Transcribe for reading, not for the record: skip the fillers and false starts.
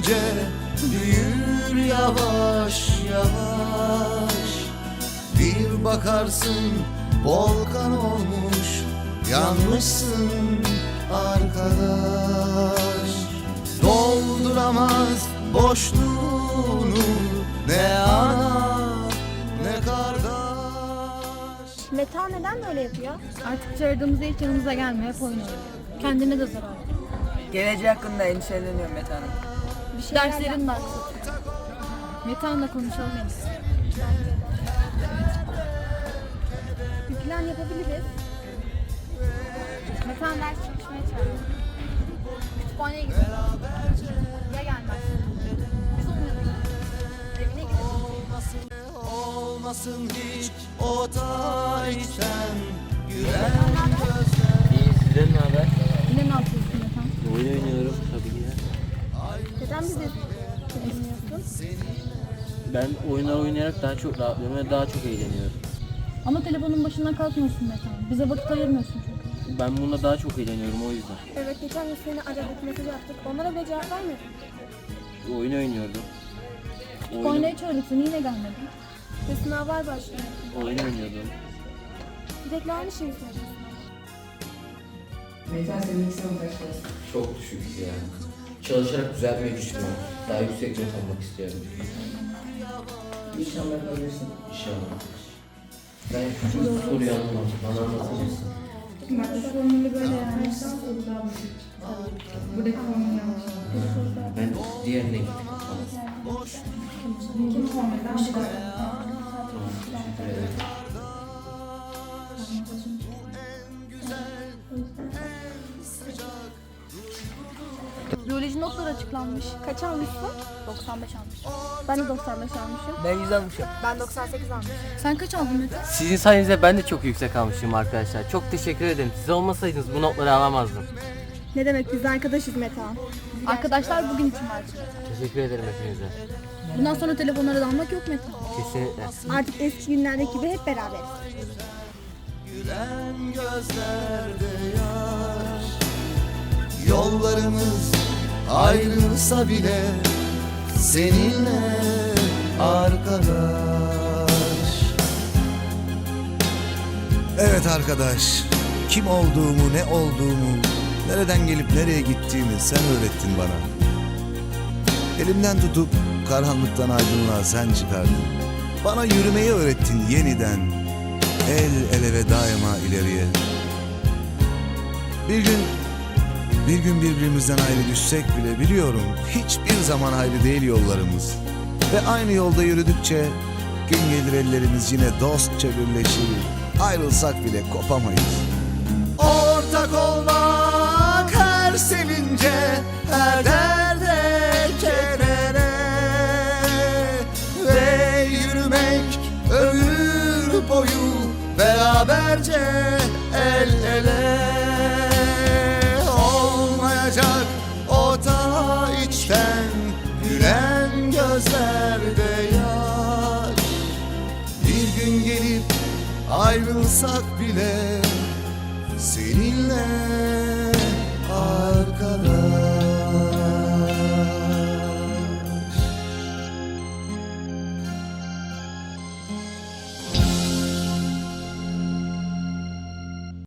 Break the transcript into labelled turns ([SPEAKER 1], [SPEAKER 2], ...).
[SPEAKER 1] sevince büyür yavaş yavaş. Bir bakarsın volkan olmuş, yanmışsın arkadaş. Dolduramaz boşluğunu ne ana ne kardeş.
[SPEAKER 2] Meta neden böyle yapıyor?
[SPEAKER 3] Artık çağırdığımızda hiç yanımıza gelmiyor, hep oynuyor. Kendine de zarar.
[SPEAKER 4] Geleceği hakkında endişeleniyorum Mete Hanım.
[SPEAKER 2] Bir şey
[SPEAKER 3] Derslerin de aksatıyor. Metehan'la konuşalım en iyisi.
[SPEAKER 2] Bir plan yapabiliriz.
[SPEAKER 3] Metehan ders çalışmaya çağırıyor. Kütüphaneye gidelim. Ya gelmezsin? Biz olmayalım. Evine gidelim.
[SPEAKER 1] Olmasın hiç o taçtan gülen gözler.
[SPEAKER 5] İyi, sizden ne haber?
[SPEAKER 3] Yine ne yapıyorsun Metehan?
[SPEAKER 5] Oyun oynuyorum tabii ki de.
[SPEAKER 2] Neden bizi dinliyorsun?
[SPEAKER 5] Ben oyunlar oynayarak daha çok rahatlıyorum ve daha çok eğleniyorum.
[SPEAKER 3] Ama telefonun başından kalkmıyorsun Metehan. Bize vakit ayırmıyorsun çünkü.
[SPEAKER 5] Ben bununla daha çok eğleniyorum o yüzden.
[SPEAKER 2] Evet, geçen gün seni aradık, mesaj attık. Onlara bile cevap vermedin.
[SPEAKER 5] Oyun oynuyordum.
[SPEAKER 3] Kütüphaneye çağırdık seni, yine gelmedin.
[SPEAKER 2] Ve sınavlar başlıyor.
[SPEAKER 5] Oyun oynuyordum.
[SPEAKER 2] Sürekli aynı şeyi söylüyorsun.
[SPEAKER 4] Mete senin ilk sınıf kaçtasın?
[SPEAKER 6] Çok düşük ya. Çalışarak düzeltmeyi düşünüyorum. Daha yüksek not almak istiyorum.
[SPEAKER 4] İnşallah yapabilirsin.
[SPEAKER 6] İnşallah. Ben şu soruyu anlamadım. Bana anlatır mısın?
[SPEAKER 7] Bak şu formülü böyle yani. Buradaki formülü yanlış.
[SPEAKER 6] Ben diğerine gittim.
[SPEAKER 7] Kim formülden bu kadar.
[SPEAKER 6] Tamam, teşekkür ederim.
[SPEAKER 3] Biyoloji notları açıklanmış.
[SPEAKER 2] Kaç almışsın?
[SPEAKER 3] 95 almış.
[SPEAKER 2] Ben de 95 almışım.
[SPEAKER 4] Ben 100 almışım.
[SPEAKER 2] Ben 98 almışım.
[SPEAKER 3] Sen kaç aldın Mete?
[SPEAKER 5] Sizin sayenizde ben de çok yüksek almışım arkadaşlar. Çok teşekkür ederim. Siz olmasaydınız bu notları alamazdım.
[SPEAKER 2] Ne demek, biz arkadaşız Metehan.
[SPEAKER 3] Arkadaşlar bugün için var.
[SPEAKER 5] Teşekkür ederim hepinize.
[SPEAKER 3] Bundan sonra telefonlara dalmak yok Mete.
[SPEAKER 5] Kesinlikle.
[SPEAKER 2] Artık eski günlerdeki gibi hep beraberiz.
[SPEAKER 1] Gülen gözlerde yaş. Yollarımız ayrılsa bile seninle arkadaş. Evet arkadaş, kim olduğumu, ne olduğumu, nereden gelip nereye gittiğimi sen öğrettin bana. Elimden tutup karanlıktan aydınlığa sen çıkardın. Bana yürümeyi öğrettin yeniden, el ele ve daima ileriye. Bir gün birbirimizden ayrı düşsek bile biliyorum hiçbir zaman ayrı değil yollarımız. Ve aynı yolda yürüdükçe gün gelir ellerimiz yine dostça birleşir. Ayrılsak bile kopamayız. Ortak olmak her sevince, her derde, kedere. Ve yürümek ömür boyu beraberce el ele. Olmayacak o ta içten gülen gözlerde yaş. Bir gün gelip ayrılsak bile seninle